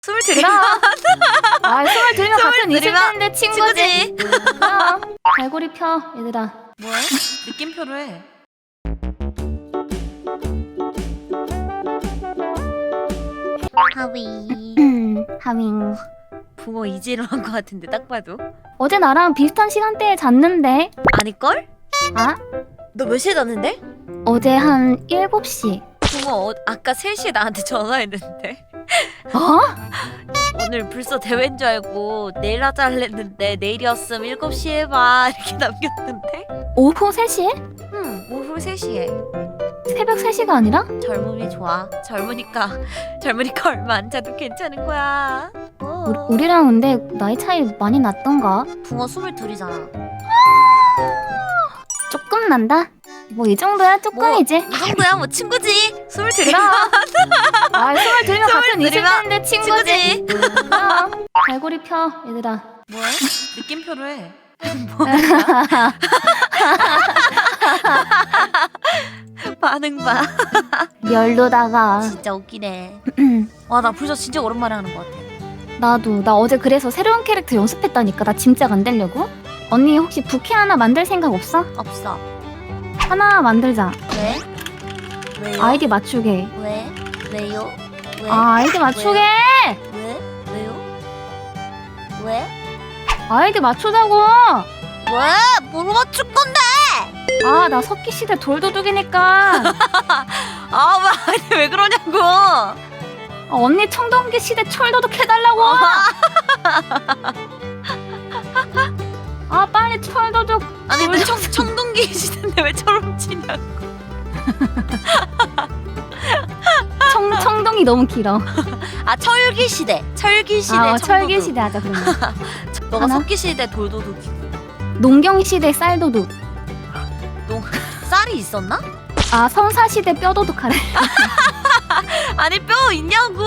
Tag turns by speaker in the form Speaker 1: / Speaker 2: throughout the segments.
Speaker 1: 숨을 들이면
Speaker 2: 아, 숨을 들이면 같은
Speaker 1: 숨을 들이면
Speaker 2: 20대인데 친구지. 그럼 갈고리 펴, 얘들아.
Speaker 1: 뭐해? 느낌표로 해. 하위.
Speaker 2: 하밍.
Speaker 1: 붕어 이지로 한 것 같은데 딱 봐도.
Speaker 2: 어제 나랑 비슷한 시간대에 잤는데.
Speaker 1: 아닐걸?
Speaker 2: 아?
Speaker 1: 너 몇 시에 잤는데?
Speaker 2: 어제 한 7시.
Speaker 1: 붕어 아까 3시에 나한테 전화했는데
Speaker 2: 어?
Speaker 1: 오늘 벌써 대회인 줄 알고 내일 하자 했는데 내일이었음 7시에 봐 이렇게 남겼는데.
Speaker 2: 오후 3시에?
Speaker 1: 응, 오후 3시에.
Speaker 2: 새벽 3시가 아니라?
Speaker 1: 젊음이 좋아. 젊으니까 얼마 안 자도 괜찮은 거야.
Speaker 2: 우리랑 근데 나이 차이 많이 났던가?
Speaker 1: 붕어 22이잖아.
Speaker 2: 조금 난다? 뭐 이 정도야 조금이지.
Speaker 1: 이 정도야 뭐 친구지. 22.
Speaker 2: 그럼. 아, 숨을 들이면 같은
Speaker 1: 숨을 들이면
Speaker 2: 20대인데 친구지. 그럼. 갈고리 펴, 얘들아.
Speaker 1: 뭐해? 느낌표로 해. 반응 봐.
Speaker 2: 열로다가.
Speaker 1: 진짜 웃기네. 와, 나 벌써 진짜 오랜만에 하는 것 같아.
Speaker 2: 나도. 나 어제 그래서 새로운 캐릭터 연습했다니까. 나 짐작 안 되려고. 언니 혹시 부캐 하나 만들 생각 없어?
Speaker 1: 없어.
Speaker 2: 하나 만들자.
Speaker 1: 왜? 왜요?
Speaker 2: 아이디 맞추게.
Speaker 1: 왜? 왜요? 왜?
Speaker 2: 아, 아이디 맞추게!
Speaker 1: 왜? 왜요? 왜?
Speaker 2: 아이디 맞추자고!
Speaker 1: 왜? 뭐로 맞출 건데?
Speaker 2: 아, 나 석기시대 돌도둑이니까.
Speaker 1: 왜 그러냐고.
Speaker 2: 언니 청동기 시대 철도둑 해달라고! 아, 빨리 철도둑.
Speaker 1: 아니 근데 청동기 시대인데 왜 저럼 치냐고.
Speaker 2: 청동이 너무 길어.
Speaker 1: 아, 철기 시대. 철기 시대.
Speaker 2: 아,
Speaker 1: 청도둑.
Speaker 2: 철기 시대 하자, 그러면.
Speaker 1: 너가
Speaker 2: 하나?
Speaker 1: 석기 시대 돌도둑이고.
Speaker 2: 농경 시대 쌀도둑.
Speaker 1: 쌀이 있었나?
Speaker 2: 아, 성사 시대 뼈도둑 하래.
Speaker 1: 아니 뼈 있냐고.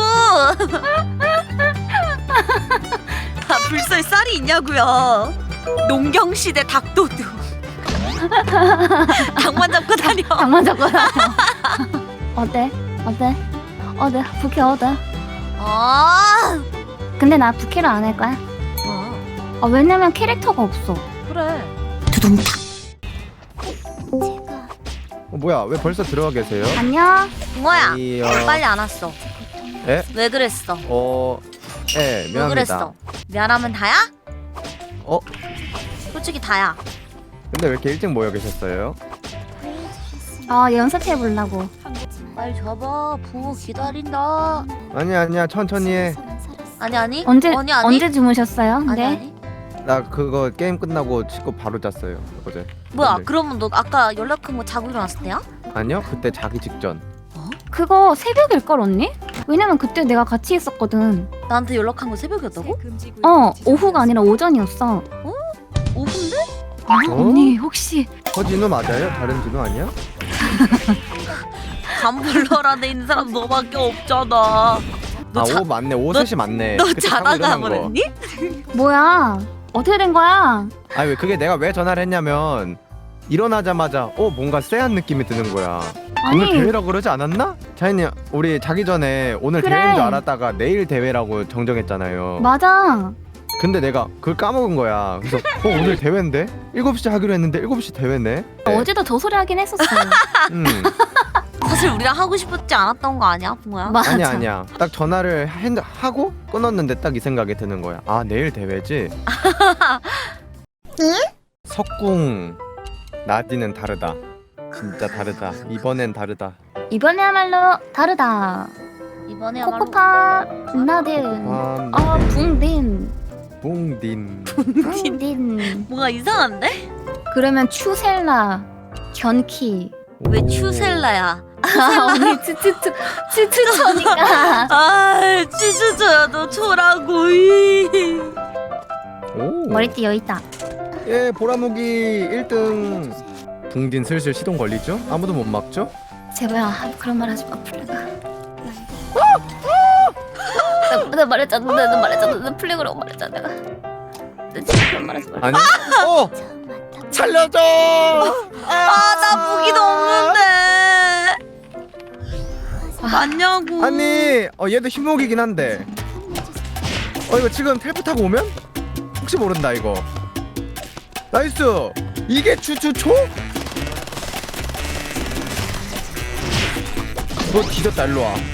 Speaker 1: 불소에 쌀이 있냐고요. 농경 시대 닭도둑. 닭만 잡고 다녀.
Speaker 2: 장만 잡고 다녀. 어때? 부캐 어때?
Speaker 1: 아,
Speaker 2: 근데 나 부캐를 안 할 거야. 아, 왜냐면 캐릭터가 없어.
Speaker 1: 그래.
Speaker 2: 두둥탁.
Speaker 3: 뭐야 왜 벌써 들어와 계세요?
Speaker 2: 안녕.
Speaker 1: 붕어야,
Speaker 3: 아니요.
Speaker 1: 빨리 안 왔어.
Speaker 3: 에?
Speaker 1: 왜 그랬어?
Speaker 3: 네
Speaker 1: 왜
Speaker 3: 미안합니다.
Speaker 1: 그랬어? 미안하면 다야?
Speaker 3: 어?
Speaker 1: 솔직히 다야.
Speaker 3: 근데 왜 이렇게 일찍 모여 계셨어요?
Speaker 2: 아, 연습해 보려고.
Speaker 1: 빨리 잡아. 붕어 기다린다.
Speaker 3: 아니야 천천히 해.
Speaker 1: 아니.
Speaker 2: 언제 주무셨어요?
Speaker 1: 아니.
Speaker 3: 나 그거 게임 끝나고 씻고 바로 잤어요 어제.
Speaker 1: 뭐야?
Speaker 3: 근데.
Speaker 1: 그러면 너 아까 연락한 거 자고 일어났을 때야?
Speaker 3: 아니요 그때 자기 직전.
Speaker 2: 그거 새벽일걸 언니? 왜냐면 그때 내가 같이 있었거든.
Speaker 1: 나한테 연락한 거 새벽이었다고?
Speaker 2: 오후가 아니라 오전이었어.
Speaker 1: 오후인데?
Speaker 2: 아, 언니 혹시
Speaker 3: 진우 맞아요? 다른 진우 아니야?
Speaker 1: 감블러라 돼 있는 사람 너밖에 없잖아.
Speaker 3: 오 맞네 오셋이 맞네.
Speaker 1: 너
Speaker 3: 그때 자고
Speaker 1: 자다가
Speaker 3: 일어난 거.
Speaker 1: 보냈니?
Speaker 2: 뭐야? 어떻게 된 거야?
Speaker 3: 아니 왜 그게 내가 왜 전화를 했냐면 일어나자마자 뭔가 쎄한 느낌이 드는 거야. 오늘
Speaker 2: 아니
Speaker 3: 대회라고 그러지 않았나? 자인이 우리 자기 전에 오늘
Speaker 2: 그래.
Speaker 3: 대회인 줄 알았다가 내일 대회라고 정정했잖아요.
Speaker 2: 맞아.
Speaker 3: 근데 내가 그걸 까먹은 거야. 그래서 오늘 대회인데? 7시 하기로 했는데 7시 대회네?
Speaker 2: 어제도 저 소리 하긴 했었어.
Speaker 3: 음.
Speaker 1: 사실 우리랑 하고 싶지 않았던 거 아니야, 붕어야?
Speaker 2: 맞아.
Speaker 3: 아니야. 딱 전화를 하고 끊었는데 딱 이 생각이 드는 거야. 아 내일 대회지? 석궁 나디는 다르다. 진짜 다르다. 이번엔 다르다.
Speaker 2: 이번에야말로 다르다.
Speaker 1: 이번에야말로
Speaker 2: 코코파 나딘. 붕딘.
Speaker 3: 붕딘.
Speaker 2: 붕딘.
Speaker 1: 뭔가 이상한데?
Speaker 2: 그러면 추셀라 견키.
Speaker 1: 왜 추셀라야?
Speaker 2: 언니 츠츠츠니까.
Speaker 1: 아, 쭈쭈쭈야 너 초라고.
Speaker 3: 오.
Speaker 2: 머리띠 여기 있다.
Speaker 3: 예 보라무기 1등. 붕딘 슬슬 시동 걸리죠? 아무도 못 막죠?
Speaker 2: 제발 그런 말 하지 마 플래그. 나 말했잖아. 나 플래그라고 말했잖아. 내가. 나 진짜 그런 말 하지 마.
Speaker 3: 아니. 살려줘.
Speaker 1: 나 무기도 없는데. 맞냐고.
Speaker 3: 아니 얘도 힘목이긴 한데 이거 지금 텔포 타고 오면 혹시 모른다 이거. 나이스. 이게 추추초? 너 뒤졌다. 일로 와.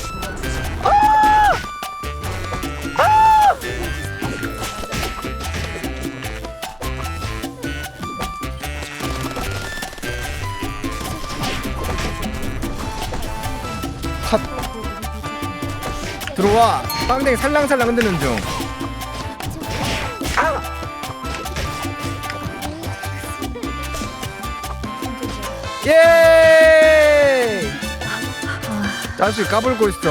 Speaker 3: 컷. 들어와. 빵댕이 살랑살랑 흔드는 중. 예! 자식 까불고 있어.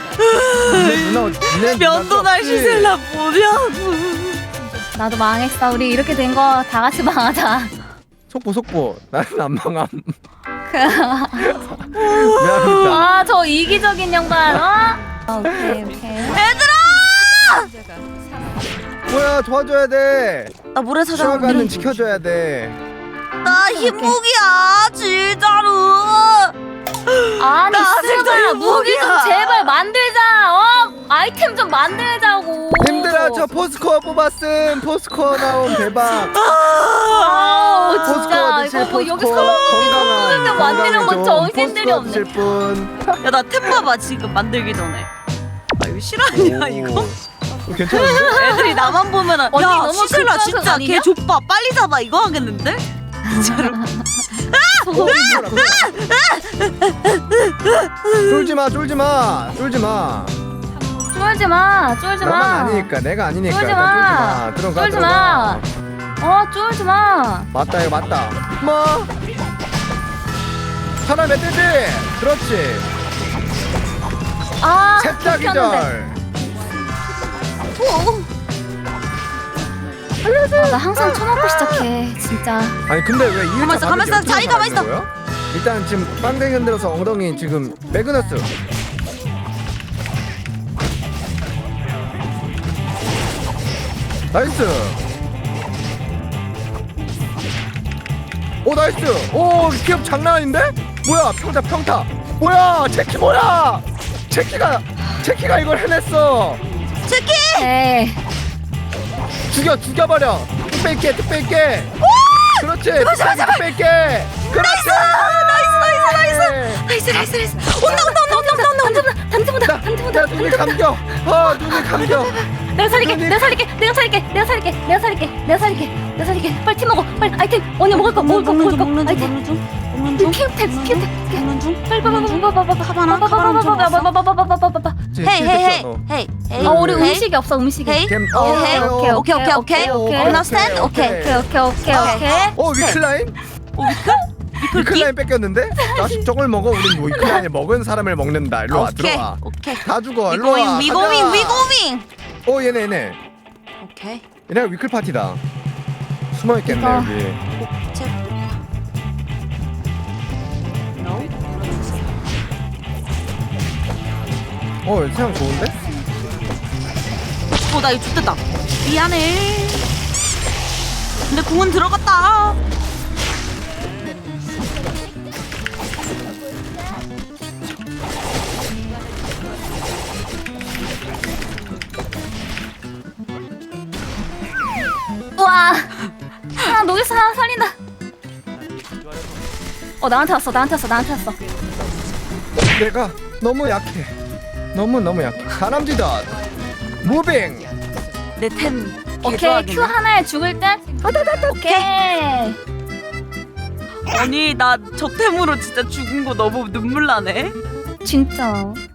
Speaker 3: 니네
Speaker 1: 면도 날 씻을라 뭐냐고.
Speaker 2: 나도 망했어. 우리 이렇게 된 거 다 같이 망하자.
Speaker 3: 속보. 나는 안 망함. 미안합니다.
Speaker 2: 아, 저 이기적인 양반. 오케이.
Speaker 3: 뭐야 도와줘야 돼.
Speaker 1: 나 모래사장
Speaker 3: 추가가는 지켜줘야 돼.
Speaker 1: 나 흰무기야 진짜로.
Speaker 2: 아니,
Speaker 1: 나 아직도
Speaker 2: 쓰라 무기 좀
Speaker 1: 이거
Speaker 2: 제발 만들자. 아이템 좀 만들자고.
Speaker 3: 님들아 저 포스코어 뽑았음. 포스코어 나옴 대박.
Speaker 2: 진짜 이거 뭐 여기서
Speaker 3: 건강한
Speaker 2: 만드는 건 정신들이 없네.
Speaker 3: 드실 분.
Speaker 1: 야 나 템 봐봐 지금 만들기 전에. 아 이거 실화냐 이거?
Speaker 3: 괜찮은데?
Speaker 1: 애들이 나만 보면은
Speaker 2: 언니
Speaker 1: 야
Speaker 2: 너무
Speaker 1: 시슬라
Speaker 2: 극과극
Speaker 1: 진짜
Speaker 2: 아니냐?
Speaker 1: 걔 족봐 빨리 잡아 이거 하겠는데? 진짜로.
Speaker 3: 쫄지 마.
Speaker 2: 쫄지 마.
Speaker 3: 나만 아니니까 내가 아니니까.
Speaker 2: 쫄지
Speaker 3: 일단
Speaker 2: 마.
Speaker 3: 들어가.
Speaker 2: 쫄지 마. 쫄지 마.
Speaker 3: 맞다 이거 맞다. 뭐? 하나 멧돼지. 그렇지. 셋다 기절.
Speaker 2: 나 항상 쳐놓고 시작해. 진짜.
Speaker 3: 아니 근데 왜 2일차
Speaker 1: 가만 있어, 자리 가만 있어.
Speaker 3: 일단 지금 빵댕이 흔들어서 엉덩이 지금 매그너스. 나이스. 오 나이스. 오 기업 장난 아닌데? 뭐야 평타. 뭐야 체키 뭐야? 체키가 이걸 해냈어.
Speaker 2: 에이.
Speaker 3: 죽여버려. 뚝 뺄게. 그렇지. 뚝 뺄게. 그렇지.
Speaker 1: 나이스. 온다.
Speaker 3: 나 눈이 감겨. 눈이 감겨.
Speaker 2: 내가 살릴게. 빨리 팀 먹어. 빨리 아이템. 언니 먹을 거. 아이템. 피우택. 빨리
Speaker 1: 헤이.
Speaker 2: 우리 음식이 없어. 음식이.
Speaker 1: 헤이. 오케이. Understand? 오케이.
Speaker 3: 위클라인? 위클라인 뺏겼는데? 자식 저걸 먹어. 우린 위클라인을 먹은 사람을 먹는다. 일로 와 들어와.
Speaker 1: 오케이.
Speaker 3: 다 죽어. 일로 와.
Speaker 1: 위고밍.
Speaker 3: 얘네.
Speaker 1: 오케이.
Speaker 3: 얘네가 위클 파티다. 숨어 있겠네 여기. 세상 좋은데?
Speaker 1: 나 이거 죽겠다. 미안해. 근데 공은 들어갔다.
Speaker 2: 우와. 녹였어. 하나 살린다. 나한테 왔어.
Speaker 3: 내가 너무 약해. 너무 약해. 다람쥐다. 무빙.
Speaker 1: 내 템.
Speaker 2: 오케이. Q 하나에 죽을 듯. 오케이.
Speaker 1: 아니 나 저 템으로 진짜 죽은 거 너무 눈물 나네.
Speaker 2: 진짜.